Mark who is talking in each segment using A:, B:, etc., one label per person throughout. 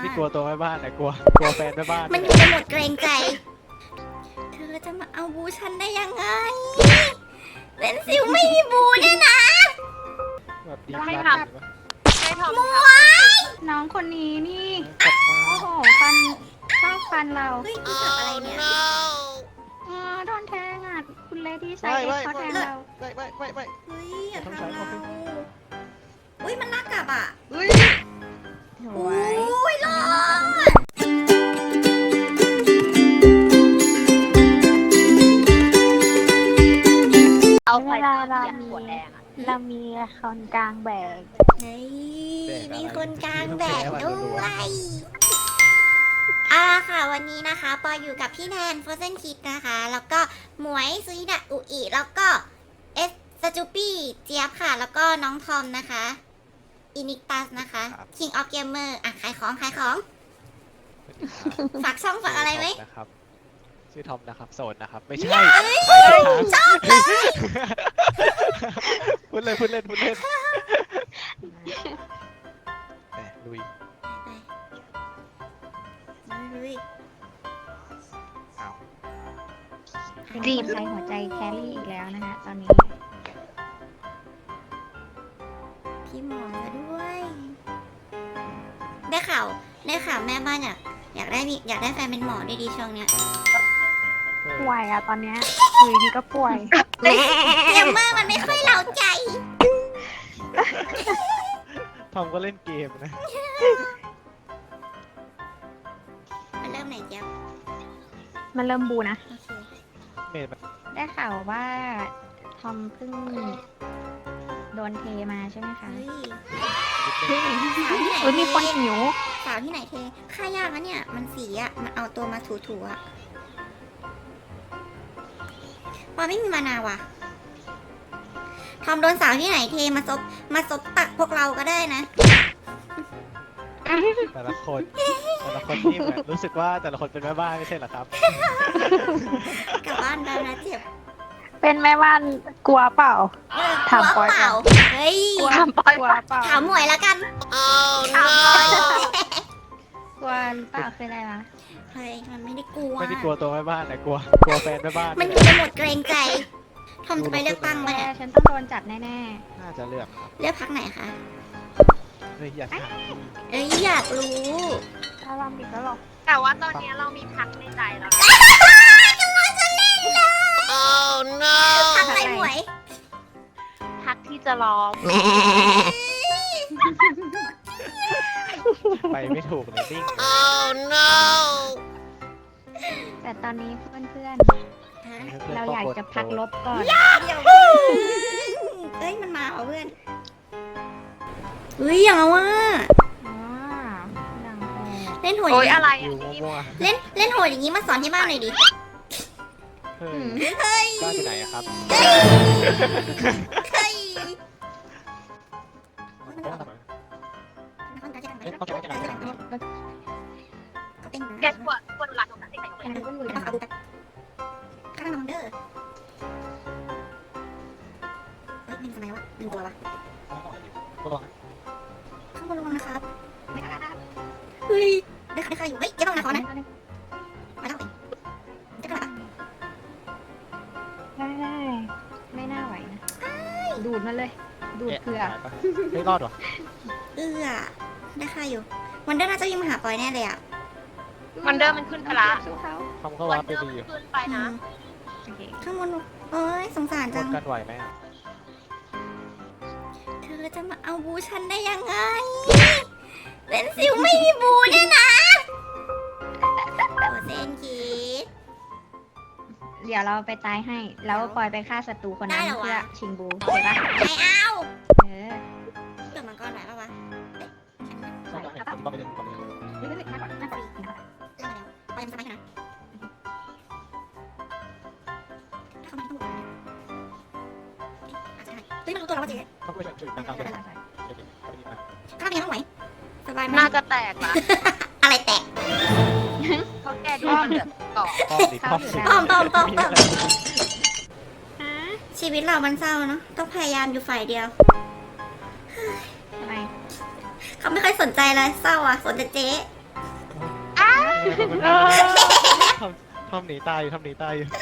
A: กลัวตัวแม่บ้านแต่กลัวแฟนแม่บ้าน
B: มันอยู่ในโหมดเกรงใจ เธอจะมาเอาบูฉันได้ยังไงเป็นซิวไม่มีบูเนี่ยนะ
A: แบบดี
C: ไม่
A: ครับ
C: ทำ ไม่ทำ
B: มวย
C: น้องคนนี้นี่
A: กลับมา
C: โอ้โห ฟันชอบฟันเรา
B: เฮ้ยนี่สับอะไรเนี่ย
C: โดนแทงอ่ะ คุณเลดี้ไซด์เอ็กซ์เขาแทงเรา
A: ไม่
B: เฮ้ยอย่า
A: ต้อง
B: ทำ
A: ใช้
B: เรา
A: ความ
B: เฮ้ยมันลากกลับอ่ะ
A: เฮ้ย
C: ส
B: โอ้
C: วย
B: ยรอด
C: เอาไปหัวแดงอ่ะ เรามีคนกลางแบก
B: เฮ้ยมีคนกลางแบกด้วยค่ะวันนี้นะคะปออยู่กับพี่แนนโฟเซนคิดนะคะ แล้วก็หมวยซุยดะอุอิแล้วก็เอสสจูปี้เจี๊ยบค่ะ แล้วก็น้องทอมนะคะอินิกตัสนะคะ King of Gamer อ่ะขายของฝากช่องฝากอะไรไหม
A: นะครับชื่อทอมนะครับโสดนะครับไม่ใช่
B: ชอบเลย
A: พูดเล่นแหมลุย อ้าว
C: รีบใช้หัวใจแครี่อีกแล้วนะฮะตอนนี้
B: พี่หมอมาด้วย ได้ข่าวแม่บ้านอยากได้แฟนเป็นหมอด้วยดีช่วงเนี้ย
C: ป่วยอ่ะตอนเนี้ยอยู่ดีก็ป่วย
B: เกมเมอร์มันไม่ค่อยเล้าใจ
A: ทอมก็เล่นเกมนะ
B: มันเริ่มไหนเจี๊ยบ
C: มันเริ่มบูนะ
B: โอเค
A: เมดมัน
C: ได้ข่าวว่าทอมเพิ่งโดนเทมาใช่ไหมคะ
B: เฮ้ย
A: นิดนึง
B: สาวที่ไหน
C: เฮ้ยมีคนหิว
B: สาวที่ไหนเทค่ายากนะเนี่ย มันสีอ่ะ มันเอาตัวมาถูๆอ่ะปอไม่มีมานาว่ะทอมโดนสาวที่ไหนเทมาซบตักพวกเราก็ได้นะ
A: แต่ละคนนี่แบบรู้สึกว่าแต่ละคนเป็นแม่บ้านไม่ใช่เหรอครับ
B: กลับบ้านได้นะเจ็บ
C: เป็นแม่บ้านกลัวเปล่า ถามปอย
B: เปล่าเฮ้ย
C: กลัวเปล่า
B: ถามหมวยแล้วกัน
C: ถามปอยกลัวหรือเปล่าคืออะไรวะ
B: เฮ้ยมันไม่ได้กลัว
A: ไม่ได้กลัวตัวแม่บ้านแต่กลัวแฟนแม่บ้าน
B: มันอยู่ในโหมดเกรงใจ ทอมจะไปเลือกตั้ง
C: แม่
B: มาเนี่ย
C: ฉันต้องโดนจับแน่
A: น่าจะเลือกครับ
B: เลือกพักไหนคะ
A: เฮ้ยอย่าถาม
B: เอ้ยอยากรู้
C: ๆถ้าลำอีกแล้วหรอ
D: แต่ว่าตอนนี้เรามีพักในใจแล้วนะ
B: พักอะไรหมวย
D: พักที่จะร้อง
A: ไปไม่ถูกเลยนิ่ง
C: แต่ตอนนี้เพื่อน
B: ฮะ
C: ๆ เราอยากจะพักลบก่อน
B: เดี๋ยวเอ้ยมันมาเหรอเพื่อนเฮ้ยอย่างเอาว่า
C: อ๋อดังแต่
B: เล่นโหด
D: โอ๊ย
B: อย่าง
D: อะไร
A: อ
D: อ่ะ
A: ยู่มั่ว
B: เล่นโหดอย่างนี้มาสอนที่บ้านหน่อยดิ
A: ๆเฮ้ย
B: เฮ้ย
A: บ้านที่ไหนอะครับ
B: เฮ้ย
D: แกปวดหลังตรงนั้นได้ไหม
B: ข้างน้องเด้อเฮ้ยเป็นทำไมวะเป็นตัววะข้างบนระวังนะครับเฮ้ยได้ใครอยู่เฮ้ยเจ๊ต้องนะขอนะมาต้องเจ๊ต้องนะ
C: ได้ไม่น่าไหวนะ ดูดมันเลย ดูดเผื่อ
A: ไม่รอดหรอ
B: ได้ใครอยู่วันเดอร์น่าจะวิ่งมาหาปอยแน่เลยอ่ะ
D: มันเดิมมันขึ้นไปละ
C: สู้เขา
A: ทอมก็
D: วั
A: วาน ร์ปไป
D: เดิม
A: ดีอยู่
D: ขึ้นไปนะ
C: โอเค
B: ข้างบนโอ้ยสงสาร
A: ก
B: จั
A: ด
B: ง
A: กันไหวไหมอะ
B: เธอจะมาเอาบูฉันได้ยังไงเป็นซิวไม่มีบูเนี่ยนะโอเซนคิด
C: เดี๋ยวเราไปตายให้ แล้วปล่อยไปฆ่าศัตรูคนนั้น
B: ได้เหรอวะ
C: เพื่อชิงบูโอเคปะ
B: ไม่เอา
C: เออ
B: เกิดมังกรไหนปะวะเอ๊ะฉันมา
A: ใช่ใช่ผมก็ไปเล่นก่อนเลย
C: เฮ้ยเฮ้ยน่ากลัวน่ากลัวอีกนะ
B: เรื่องอะไรวะปอยยังสบายอยู่นะถ้าเขาไม่ต้องบอกเนี่ยเอ๊ะอาจจะได้เฮ้ยมันรู้ตัวแล้วว่าเจ๊
A: เขาก็ช่วยช่วยนั่งๆกัน
B: ข้าวเป็นยังไงบ้างไหมสบายไหม
D: น่าจะแตกละ
B: อะไรแตก
D: เพราะแกดูมันเหลือเกาะ
A: ป้อมดิป้อมดิ
B: ป้อม
A: มีอะไร
B: ชีวิตเรามันเศร้าเนาะต้องพยายามอยู่ฝ่ายเดียว
C: ทำไม
B: เขาไม่ค่อยสนใจเลยเศร้าอ่ะสนแต่เจ๊
A: ทำหนีตายอยู่ทำหนีตายอยู่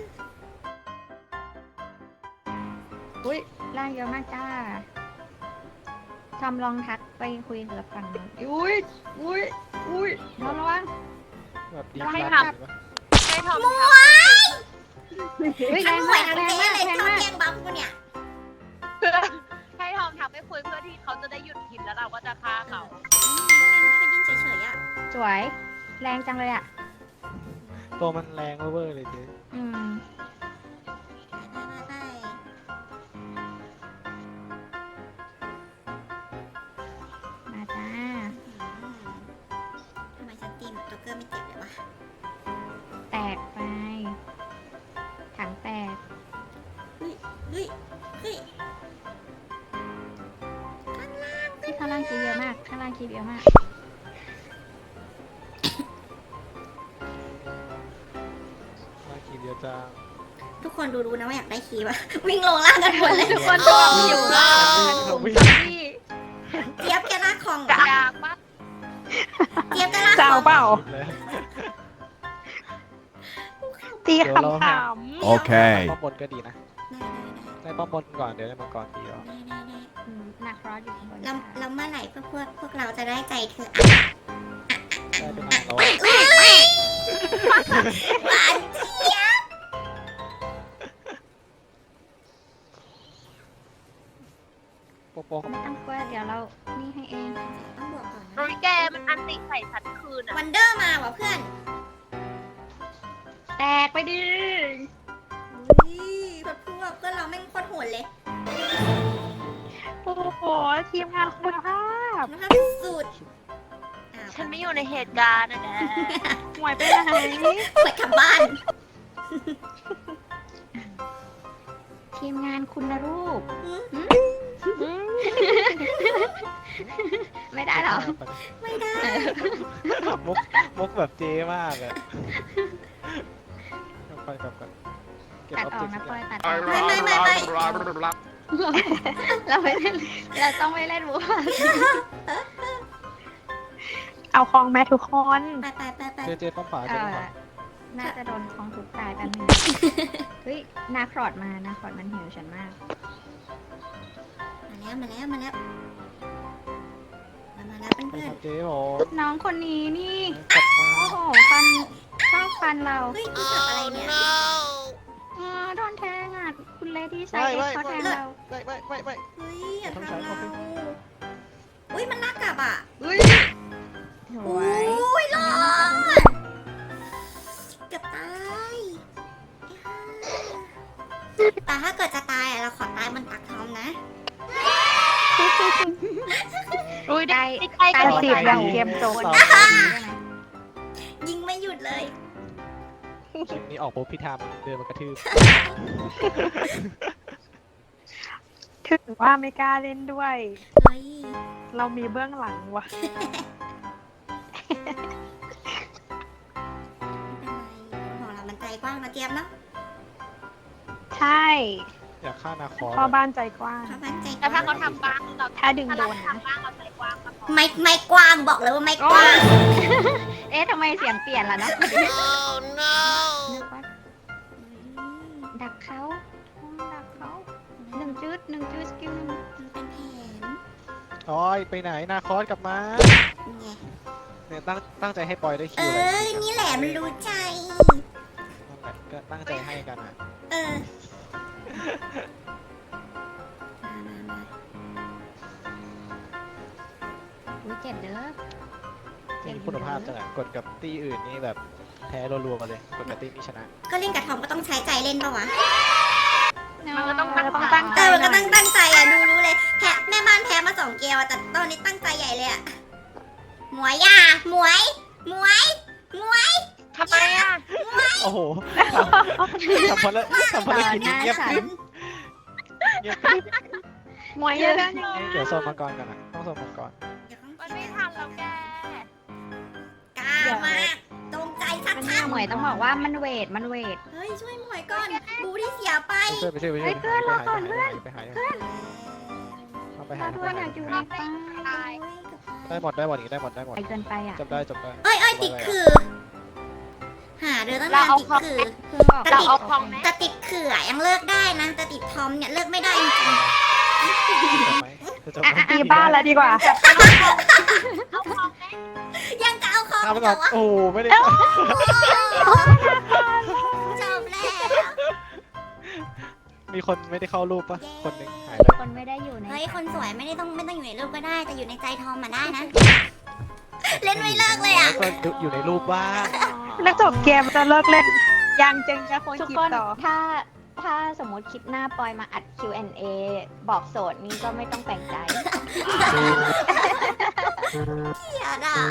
C: อุ้ยร่างเยอะมากจ้าทำลองทักไปคุยกับฝั่งนู้นอุ้ยระวัง
A: แบบดี
C: ให้
A: ครั
C: ทำ
A: บ
D: ให้ทอม
B: หม
D: ท
B: วย
C: เฮ้ยแร
B: ทั้ง
C: ง
B: หมว
C: มาย ก
B: ทั้ง
C: แรง
B: เจ๊
C: มาก
B: เลย
C: แรง
B: ชอบ
C: มาก
B: แย่งบัฟกูเนี่ย
D: ำให้ทอมทักไปคุยเพื่อที่เขาจะได้หยุดพิมพ์แล้วเราก็จะฆ่าเขา
B: ไปยิงเฉยๆอ่ะ
C: สวยแรงจังเลยอ่ะ
A: ตัวมันแรงเวอร์เลยเจ๊
C: อืม
B: ไป
C: มาจ้า
B: ทำไมฉันตีแบบโจ๊กเกอร์ไม่เจ็บเลยวะ
C: แตกไปถังแตก
B: เฮ้ยเฮ้ย
C: ที่ข้างล่างคีบเยอะมากข้างล่างคีบเยอะมาก
A: มาขี่เดียวจ้า
B: ทุกคนรู้นะว่าอยากได้คีย์ปะวิ่งลงล่างกันหมดเลย
C: ทุกคนดูอยู่
A: วิ่ง
C: ที่
B: เจี๊ยบแกลากของ
D: กระดากปะ
B: เจี๊ยบแกลาก
C: เจ้า
B: ของ
C: เปล่า
A: เลย
C: ตีขำ
A: โอเคป้อมบนก็ดีนะได้ป้อมบนก่อนเดี๋ยวได้มังกรตีแล้ว
C: หนักร้อนอยู่ข้างบน
B: แล้วเมื่อไหร่พวกเราจะได้ใจเธอ
A: ได้เป็นนางแล้ว
B: หวานเจี๊ยบ
A: โป๊ะ
C: ไม่ต้องกลัวเดี๋ยวเรานี่ให้เอง
B: ต้องบวกก่อน
D: โรยแกมันอันติใส่ฉันคืนอ่ะ
B: วันเดอร์มาว่ะเพื่อน
C: แตกไปดิ
B: อุ้ยพวกเพื่อนเราแม่งโคตรโหดเลย
C: โอ้โหทีมงานคุณภาพ
B: นะคะสุด
D: ฉันไม่อยู่ในเหตุการณ์นะแก
C: หวยไปไหน
B: ไปกลับบ้าน
C: ทีมงานคุณรูป ไม่ได้หรอ
B: ไม่ได้
A: มุกแบบเจ๊มากอะกลับไปเก็บ
C: ตัด
A: ออบ
C: ออ
A: เจ
C: ก
A: กต์
C: นะ
A: ทุก
C: ป
A: อ
C: อย
A: ย่าง
C: ตัดออก
B: ไม่
C: เราไม่เล่นเราต้องไม่เล่นบัว
E: เอาคลองแม่ทุกคน
B: ไป
A: เจ๊ป้อมป่าเจ๊ป้อมป่า
C: น่าจะโดนคลองทุกตายแป๊บนึงเฮ้ยนาครอดมานาครอดมันหิวฉันมาก
B: มาแล้วเพื่อน
A: เจ๊ผม
C: น้องคนนี้นี่
A: กลับมา
C: โอ้โหฟันชอบฟันเรา
B: เฮ้ยนี่สับอะไรเนี่ย
C: โดนแทงอ่ะคุณเลดี้ไซเอ็กเขาแทงเรา
A: ไม่
B: เฮ้ยอย่าทำเราอุ้ยมันลากกลับอ่ะ
C: สวย
B: อุ้ยรอดเกือบตายแต่ถ้าเกิดจะตายเราขอตายบนตักทอมนะ
D: อุ้ยได้
C: ได้
D: ใกล้
E: ได้
D: กัน
E: สิบอย่างเกมโจร
B: ยิงไม่หยุดเลย
A: คลิปนี้ออกปุ๊บพี่ทามเดินมากระทืบ
E: ถึงว่าไม่กล้าเล่นด้วย
B: เฮ้ย
E: เรามีเบื้องหลังว่ะ
B: ของเรามันใจกว้างนะเจี๊ยบเนาะ
E: ใช่
A: อยากฆ่านาคอส
E: พ่อบ้านใจกว้าง
B: เขามันใจก
D: แต่
B: ว้า
D: ถ้าง เขาทำบ้างเรา
E: ถ้าดึงโดน
D: ถ้าเรา
E: นะ
D: ทำบ้างเราใจกว้างก็พอ
B: ไม่กว้างบอกเลยว่าไม่กว้าง
C: เอ๊ะทำไมเสียงเปลี่ยนล่ะเนาะนึกว่าดักเขาหนึ่งจุดสกิลหนึ่ง
B: มันเป็นแผน
A: โอ้ยไปไหนนาคอสกลับมา
B: ไง
A: เนี่ยตั้งใจให้ปอยได้คิ
B: เอ
A: วเลย
B: อ นี่แหละมันรู้ใจ
A: นั่นแหละก็ตั้งใจให้กันอ่ะ
B: เออ มา
C: อุ้ยเจ็บเด้อ
A: มีคุณภาพจังอะกดกับตีอื่นนี่แบบแพ้รัวๆมาเลย กดกับตีนี้ชนะ
B: ก็เล่นกับทอมก็ต้องใช้ใจเล่นปะวะ
D: มันก็ต้อง
E: ตั้งใจ
B: มันก็ต้องตั้งใจอ่ะ รู้เลยแพ้แม่บ้านแพ้มา2 เกมอะแต่ตอนนี้ตั้งใจใหญ่เลยอ่ะ หมวยอ่ะหมวย
D: ทำไมอ่ะ
A: โอ้โหทำภารกิจนี้เงียบกริบเงียบกริบ
E: มวยเยอะยังไง
A: เดี๋ยวโซนมังกรกันนะต้องโซนมังกร
D: มันไม่ทันแล้วแก
B: กล้ามากตรงใจชัด
C: อันนี้หมวยต้องบอกว่ามันเวท
B: ๆเฮ้ย ช่วยหมวยก่อน บูที่เสียไป
A: ไปช่วย
C: เฮ้ยเพื่อนรอก่อนเพื่อน
A: ไปหาเอาไปหา
C: ถ้าเพื่อนอยากอยู่ในป่า
D: ตาย
B: โอ้ยเกือบตาย
A: ได้หมดอย่างนี้ได้หมด
C: ไปเกินไปอ่ะ
A: จบได้
B: เอ้ยติดคือ หาเดือตั้ง
D: เรา
B: นาน
D: เอา
B: ติด
D: ของ
B: คือ
C: เพิ่งออก
D: เราเอาของไหม
B: แต่ติดคืออะยังเลิกได้นะแต่ติดทอมเนี่ยเลิกไม่ได้จริง
A: จบไหมจบไหม
E: ตีบ้านแล้วดีกว่า
D: เอาของไหม
B: ๆยังจะเอาคอม
A: ข้ามไป
B: เห
A: ก่
B: ร
A: อน
B: อวะ
A: โอ้ไม่ได้
B: จบแล้ว
A: มีคนไม่ได้เข้ารูปปะ
B: เย้
A: คนหนึ่งหายเลย
C: คนไม่ได้อยู่ใน
B: เฮ้ยคนสวยไม่ต้องอยู่ในรูปก็ได้ แต่อยู่ในใจทอมมาได้นะ เล่นไม่เลิกเลยอ่ะ
A: ก็อยู่ในรูปบ้าง
E: แล้วจบเกมจะเลิกเล่น ยังจึงจะคน
C: ทุก
E: คิด
C: คน
E: ต่อ
C: ถ้าสมมติคลิปหน้าปอยมาอัด Q&A บอกโสดนี่ก็ไม่ต้องแปลกใจ
B: เกลียดอ่ะ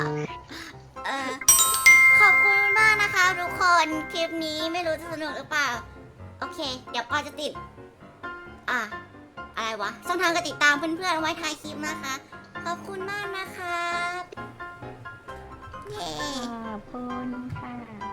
B: ขอบคุณมากนะคะทุกคน คลิปนี้ไม่รู้จะสนุกหรือเปล่า โอเค เดี๋ยวปอยจะติด อะไรวะช่องทางการติดตามเพื่อนๆไว้ท้ายคลิปนะคะ ขอบคุณมากนะคะ เย้
C: ขอบคุณค่ะ